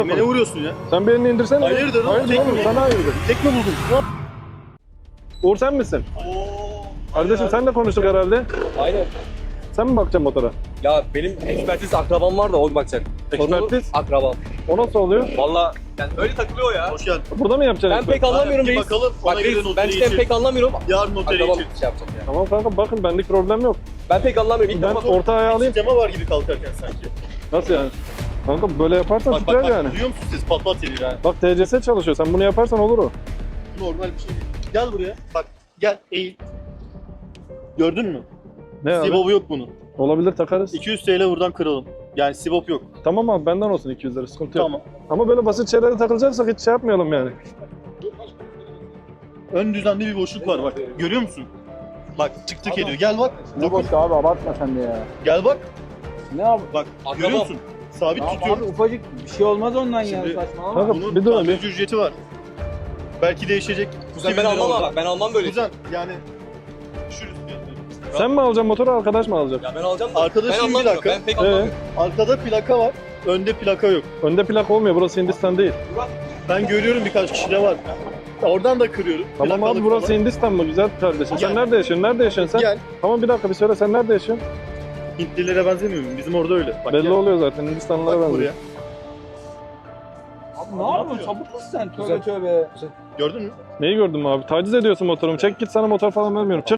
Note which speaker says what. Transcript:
Speaker 1: Beni vuruyorsun ya.
Speaker 2: Sen bir elini indirsene.
Speaker 1: Hayırdır oğlum?
Speaker 2: Hayırdır oğlum, sana hayırdır.
Speaker 1: Tek mi buldun?
Speaker 2: Uğur sen misin? Kardeşim sen de konuştuk herhalde.
Speaker 3: Aynen.
Speaker 2: Sen mi bakacaksın motora?
Speaker 3: Ya benim ekspertiz akrabam var da o bakacak.
Speaker 2: Ekspertiz?
Speaker 3: Akrabam.
Speaker 2: O nasıl oluyor?
Speaker 3: Valla yani öyle takılıyor ya.
Speaker 1: Hoş geldin.
Speaker 2: Burada mı yapacaksın?
Speaker 3: Ben pek anlamıyorum
Speaker 1: Bir
Speaker 3: reis.
Speaker 1: bakalım, ona
Speaker 3: Bak
Speaker 1: göre
Speaker 3: reis ben
Speaker 1: notları
Speaker 3: cidden
Speaker 1: geçir.
Speaker 3: pek anlamıyorum.
Speaker 1: Yarın notları
Speaker 3: Akrabam
Speaker 1: için.
Speaker 3: şey yapacak yani.
Speaker 2: Tamam kanka bakın benlik problem yok.
Speaker 3: Ben pek anlamıyorum. İlk
Speaker 2: Ben
Speaker 3: defa
Speaker 2: orta ayağı alayım.
Speaker 1: Sistema var gibi kalkarken sanki.
Speaker 2: Nasıl yani? Kanka böyle yaparsan
Speaker 1: Bak
Speaker 2: süper
Speaker 1: bak
Speaker 2: yani.
Speaker 1: bak duyuyor musun siz? Pat pat geliyor yani.
Speaker 2: Bak TCS çalışıyor. Sen bunu yaparsan olur o.
Speaker 1: Normal bir şey değil. Gel buraya. Bak gel eğil. Gördün mü?
Speaker 2: Ne abi?
Speaker 1: Sibop'u yok bunun.
Speaker 2: Olabilir takarız.
Speaker 1: 200 TL buradan kıralım. Yani Sibop yok.
Speaker 2: Tamam abi benden olsun 200 lira sıkıntı yok.
Speaker 1: Tamam.
Speaker 2: Ama böyle basit şeylere takılacaksak hiç şey yapmayalım yani.
Speaker 1: Ön düzende bir boşluk var bak. Görüyor musun? Bak tık tık ediyor. Gel bak.
Speaker 4: Ne boş abi abartma sen de ya.
Speaker 1: Gel bak.
Speaker 4: Ne abi?
Speaker 1: Bak
Speaker 3: Akrabam.
Speaker 1: görüyor musun? Sabit
Speaker 4: Abi,
Speaker 1: tutuyor.
Speaker 4: abi ufacık bir şey olmaz ondan
Speaker 1: Şimdi-
Speaker 4: ya saçmalama.
Speaker 2: Kanka
Speaker 1: Bunun
Speaker 2: bir dur abi.
Speaker 1: tamirci ücreti var. Belki değişecek.
Speaker 3: Kuzen
Speaker 1: 2000
Speaker 3: ben
Speaker 1: lira
Speaker 3: almam
Speaker 1: oldu.
Speaker 3: ama ben almam böyle.
Speaker 1: Kuzen yani düşürüz fiyatları.
Speaker 2: Sen mi alacaksın motoru arkadaş mı alacak?
Speaker 3: Ya ben alacağım da
Speaker 1: Arkadaşım
Speaker 3: ben
Speaker 1: bir
Speaker 3: anlamıyorum.
Speaker 1: dakika.
Speaker 3: Ben pek anlamıyorum.
Speaker 1: Arkada plaka var. Önde plaka yok.
Speaker 2: Önde plak olmuyor burası Hindistan değil.
Speaker 1: Ben görüyorum birkaç kişide var. Oradan da kırıyorum.
Speaker 2: Tamam abi
Speaker 1: Plakalık
Speaker 2: burası
Speaker 1: falan.
Speaker 2: Hindistan mı güzel kardeşim? Sen
Speaker 1: Gel.
Speaker 2: nerede yaşıyorsun? Nerede yaşıyorsun sen?
Speaker 1: Gel.
Speaker 2: Tamam bir dakika bir söyle sen nerede yaşıyorsun?
Speaker 1: Hintlilere benzemiyor mu? Bizim orada öyle. Bak,
Speaker 2: Belli
Speaker 1: gel.
Speaker 2: oluyor zaten Hindistanlılara
Speaker 1: Bak
Speaker 2: benziyor.
Speaker 1: buraya.
Speaker 4: Abi ne yapıyorsun? Sapık mısın sen? Tövbe tövbe.
Speaker 1: Gördün mü?
Speaker 2: Neyi gördün mü abi? Taciz ediyorsun motorumu. Çek git sana motor falan vermiyorum. Çık.